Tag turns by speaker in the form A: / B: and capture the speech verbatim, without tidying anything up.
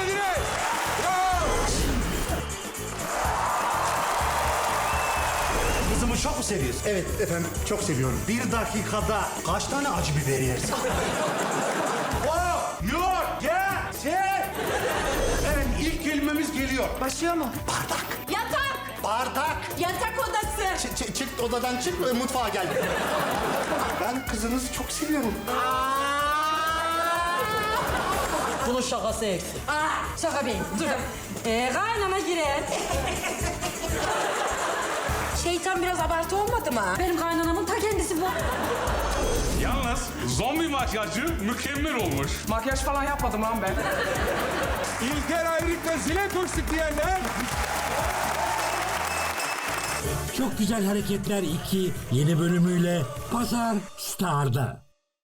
A: geldiniz. Bravo.
B: Kızımı çok mu seviyorsun?
C: Evet efendim, çok seviyorum.
B: Bir dakikada kaç tane acı biber yersin? Oh, yok, gel, şey. Evet, ilk kelimemiz geliyor.
D: Başlıyor mu?
B: Bardak.
D: Yatak.
B: Bardak.
D: Yatak odası.
C: Ç- ç- çık odadan çık, e, mutfağa gel. Ben kızınızı çok seviyorum.
E: Bunun şakası eksik.
D: Aa, şaka beyim. Dur. Ee, kaynana girer. Şeytan biraz abartı olmadı mı? Benim kaynanamın ta kendisi bu.
A: Yalnız zombi makyajı mükemmel olmuş.
F: Makyaj falan yapmadım lan ben.
A: İlker Ayrık'la zile koştuk diyenler.
G: Çok Güzel Hareketler iki yeni bölümüyle Pazar Star'da.